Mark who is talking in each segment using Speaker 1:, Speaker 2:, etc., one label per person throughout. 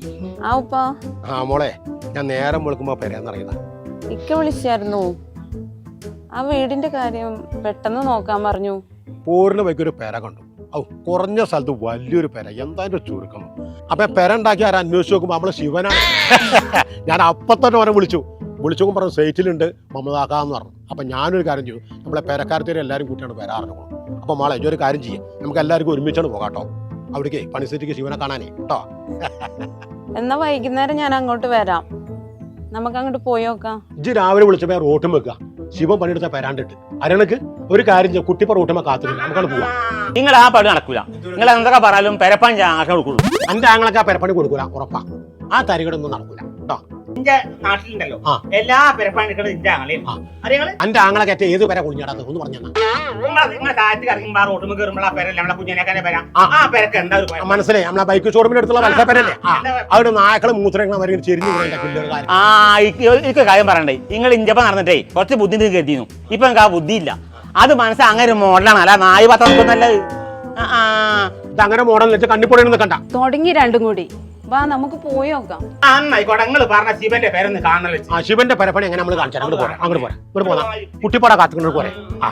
Speaker 1: ആ ഉപ്പ.
Speaker 2: ആ മോളെ, ഞാൻ നേരം വിളിക്കുമ്പോ പെരേന്നറിയതാ.
Speaker 1: ഇക്ക വിളിച്ചായിരുന്നു. ആ വീടിന്റെ കാര്യം പെട്ടെന്ന് നോക്കാൻ പറഞ്ഞു.
Speaker 2: പോരിന് വൈക്കൊരു പെര കണ്ടു. ഔ, കുറഞ്ഞ സ്ഥലത്ത് വലിയൊരു പെര, എന്തായാലും ചുരുക്കം. അപ്പൊ പെര ഉണ്ടാക്കി ആരും അന്വേഷിച്ച് നോക്കുമ്പോ നമ്മളെ ശിവനാണ്. ഞാൻ അപ്പത്തന്നെ അവരെ വിളിച്ചു പറഞ്ഞു സൈറ്റിലുണ്ട് മമതാക്കാന്ന് പറഞ്ഞു. അപ്പൊ ഞാനൊരു കാര്യം ചെയ്തു, നമ്മളെ പെരക്കാരത്തേരെ എല്ലാവരും കൂട്ടിയാണ് വരാറുണ്ട്. അപ്പൊ മോളെ ഒരു കാര്യം ചെയ്യാം, നമുക്ക് എല്ലാവർക്കും ഒരുമിച്ചാണ് പോകാട്ടോ അവിടേക്ക് പണിസെറ്റിക്ക് ശിവനെ കാണാനേ കേട്ടോ.
Speaker 1: എന്നാ വൈകുന്നേരം ഞാൻ അങ്ങോട്ട് വരാം, നമുക്ക് അങ്ങോട്ട് പോയി നോക്കാം.
Speaker 2: ഇജ്ജ് രാവിലെ വിളിച്ചപ്പോ റോട്ടും വെക്കുക, ശിവൻ പണിയെടുത്ത പെരാണ്ടിട്ട് അരണക്ക് ഒരു കാര്യം ചെയ്യാം, കുട്ടിപ്പ റോട്ടുമ്പോ കാത്തില്ല, നമുക്കാണ് പോവാം.
Speaker 3: നിങ്ങൾ ആ പണി നടക്കൂല. നിങ്ങൾ എന്തൊക്കെ പറഞ്ഞാലും പെരപ്പണി കൊടുക്കുള്ളൂ.
Speaker 2: എന്റെ ആങ്ങളൊക്കെ ആ പെരപ്പണി കൊടുക്കൂല, ഉറപ്പാ. ആ തരികടൊന്നും നടക്കൂല കേട്ടോ.
Speaker 4: എന്റെ നാട്ടിലുണ്ടല്ലോ എല്ലാ പെരപ്പണി എടുക്കുന്നത് എന്റെ ആങ്ങളെയും.
Speaker 2: എന്റെ ആങ്ങളൊക്കെ ഏറ്റവും ഏത് പെര കുഞ്ഞാടാത്ത ഒന്ന് പറഞ്ഞു
Speaker 4: നിങ്ങളെ താഴത്ത് ഇറങ്ങുമ്പോ ആ റോട്ടുമ്പോ കയറുമ്പോൾ ആ പെരല്ലേ നമ്മളെ കുഞ്ഞനേക്കാന്റെ പെര. ആ പെരക്ക് എന്താ ഒരു
Speaker 2: മനസ്സിലായി, നമ്മളെ ബൈക്ക് ഷോറൂമിന്റെ അടുത്തുള്ള മത്സരപ്പരല്ലേ, അവിടെ നായക്കള് മൂത്രങ്ങൾ വരെ ചെരിഞ്ഞു പിള്ളേർ.
Speaker 3: ആ എനിക്ക് കാര്യം പറയണ്ടേ, നിങ്ങൾ ഇഞ്ചപ്പ നടന്നിട്ടേ കുറച്ച് ബുദ്ധി കരുതിയിരുന്നു. ഇപ്പൊ എനിക്ക് ആ ബുദ്ധിയില്ല. അത് മനസ്സിൽ അങ്ങനെ ഒരു മോഡലാണ്, അല്ല നായി പത്രം നല്ലത്.
Speaker 2: അങ്ങനെ മോഡൽ വെച്ച് കണ്ണിപ്പൊടിയൊന്നും കണ്ട
Speaker 1: തുടങ്ങി രണ്ടും കൂടി. വാ നമുക്ക് പോയി നോക്കാം.
Speaker 4: അന്നായിക്കോട്ടെ, നിങ്ങൾ പറഞ്ഞ ശിവന്റെ പേരൊന്ന് കാണാൻ വെച്ച്.
Speaker 2: ആ ശിവന്റെ പെരപ്പണി എങ്ങനെ നമ്മൾ കാണിച്ചാൽ അങ്ങോട്ട് പോരാ, അങ്ങോട്ട് പോരാ, ഇങ്ങോട്ട് പോകാം. കുട്ടിപ്പാട കാത്തുകൊണ്ട് പോരെ.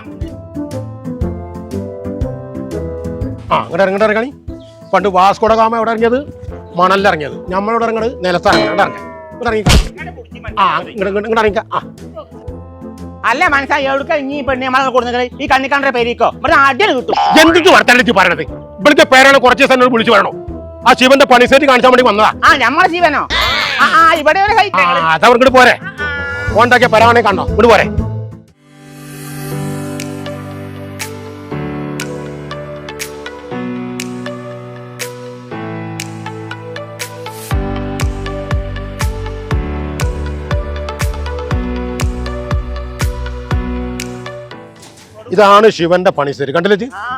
Speaker 2: ഇങ്ങോട്ട് ഇറങ്ങി. പണ്ട് വാസ്കോഡ ഗാമ എവിടെ ഇറങ്ങിയത്? മണലിറങ്ങിയത്. നമ്മളോട് ഇറങ്ങത് നിലത്താണ്.
Speaker 3: അല്ല മനസ്സിലായി എവിടെ ഇനി പെണ്ണി നമ്മളെ കൊടുക്കുന്നത് ഈ കണ്ണിക്കാണ്ട പേരിക്കോ ഇവിടെ അടിയിൽ കിട്ടും.
Speaker 2: എന്തിട്ട് വർത്താനത്തി പറയണത്? ഇവിടുത്തെ പേരാണ് കുറച്ച് ദിവസം വിളിച്ചു പറയണോ? ആ ശിവന്റെ പണിസെറ്റ് കാണിച്ചാൽ വേണ്ടി വന്നതാ.
Speaker 3: ആ നമ്മളെ ശിവനോ? ഇവിടെ
Speaker 2: അതവർക്ക് പോരെ, ഓണ്ടാക്കിയ പരാണെ കണ്ടോ? ഇങ്ങോട്ട് പോരെ. ഇതാണ് ശിവന്റെ പണിസെറ്റ്, കണ്ടില്ലേ?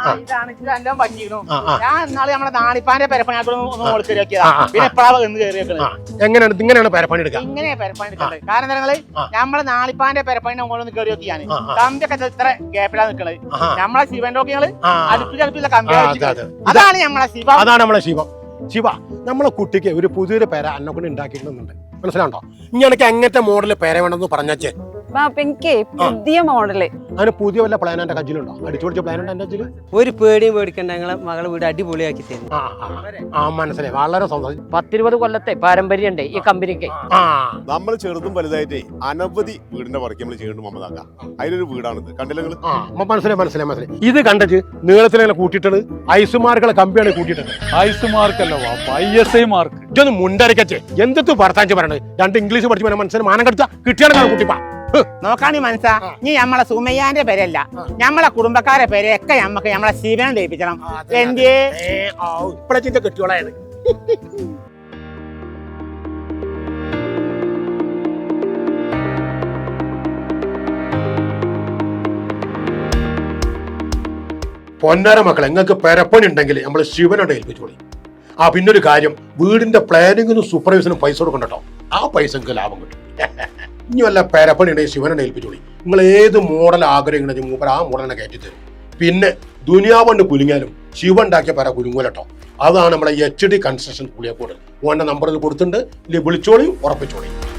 Speaker 2: എങ്ങനെയാണ് ഇങ്ങനെയാണ് പെരപ്പണി എടുക്കുക?
Speaker 3: കാരണം നമ്മളെ നാളിപ്പാന്റെ പെരപ്പണി നമ്മളൊന്ന് കയറി നോക്കിയാണ്. കമ്പിയൊക്കെ ഇത്ര ഗ്യാപ്പിലാ നിൽക്കണത്. നമ്മളെ ശിവന്റെ നോക്കിയാള് അടുപ്പില്ല കമ്പി. അതാണ് നമ്മളെ ശിവ.
Speaker 2: അതാണ് നമ്മളെ ശിവം. ശിവ, നമ്മളെ കുട്ടിക്ക് ഒരു പുതിയൊരു പേര എന്നെ കൊണ്ട് ഉണ്ടാക്കിയിട്ടുണ്ട്, മനസ്സിലാണ്ടോ? ഇനി എനിക്ക് എങ്ങനത്തെ മോഡല് പേര വേണമെന്ന് പറഞ്ഞേ.
Speaker 1: എനിക്ക് പുതിയ മോഡല്.
Speaker 2: അതിന് പുതിയ വല്ല പ്ലാൻ എന്റെ കയ്യിലുണ്ടോ? അടിച്ചു പൊടിച്ച പ്ലാൻ ഉണ്ട് എന്റെ കയ്യിൽ.
Speaker 5: ഒരു പേടിയും പേടിക്കണ്ട, ഞങ്ങളെ മകളെ വീട് അടിപൊളിയാക്കി തരും.
Speaker 2: മനസ്സിലായി, വളരെ സന്തോഷം.
Speaker 5: 10-20 കൊല്ലത്തെ പാരമ്പര്യം ഉണ്ട് ഈ കമ്പനിക്ക്.
Speaker 6: നമ്മൾ ചെറുതും വലുതായിട്ട് അനവധി വീടിന്റെ വർക്ക് നമ്മൾ ചെയ്യുന്നുണ്ട് മമതാക്ക. അതിലൊരു വീടാണിത്, കണ്ടില്ല നിങ്ങൾ?
Speaker 2: മനസ്സിലായി. ഇത് കണ്ടിട്ട് നീളത്തിലെ കൂട്ടിയിട്ടത് ഐസുമാർക്കുള്ള കമ്പിയാണ് കൂട്ടിയിട്ടത്.
Speaker 7: ഐസുമാർക്കല്ല ISI മാർക്ക്.
Speaker 2: ഇതൊന്ന് മുണ്ടരക്കച്ചേ, എന്തൊക്കെ വർത്താൻ പറയണത്? 2 ഇംഗ്ലീഷ് പഠിച്ചു മനസ്സിന് മാനം കടിച്ച കിട്ടിയാണ് കുട്ടിപ്പാ.
Speaker 3: നോക്കാണി മനസ്സാ, നീ നമ്മളെ സുമയ്യാന്റെ പേരല്ല, നമ്മളെ കുടുംബക്കാരെ പേരൊക്കെ നമ്മക്ക് നമ്മളെ ശിവനെ ലയിപ്പിക്കണം.
Speaker 2: ഇപ്പഴത്തെ കെട്ടിയോളായത്. പൊന്നാര മക്കളെ, നിങ്ങൾക്ക് പെരപ്പണി ഉണ്ടെങ്കിൽ നമ്മൾ ശിവനോട് ഏൽപ്പിച്ചോളി. പിന്നൊരു കാര്യം, വീടിന്റെ പ്ലാനിങ്ങിനും സൂപ്പർവൈസിനും പൈസ കൊടുക്കണ്ടോ? ആ പൈസക്ക് ലാഭം കിട്ടും. ഇനി വല്ല പെരപ്പണി ഉണ്ടെങ്കിൽ ശിവനെ ഏൽപ്പിച്ചോളി. നിങ്ങൾ ഏത് മോഡൽ ആഗ്രഹിക്കണമെങ്കിൽ മൂപ്പർ ആ മോഡലിനെ കയറ്റി തരും. പിന്നെ ദുനിയാവണ്ട് കുലുങ്ങിയാലും ശിവ ഉണ്ടാക്കിയ പെര കുലുങ്ങൂലട്ടോ. അതാണ് നമ്മളെ HD കൺസ്ട്രക്ഷൻ പുളിയക്കോട്. ഓന്റെ നമ്പറിൽ കൊടുത്തിട്ടുണ്ട്, വിളിച്ചോളിയും ഉറപ്പിച്ചോളിയും.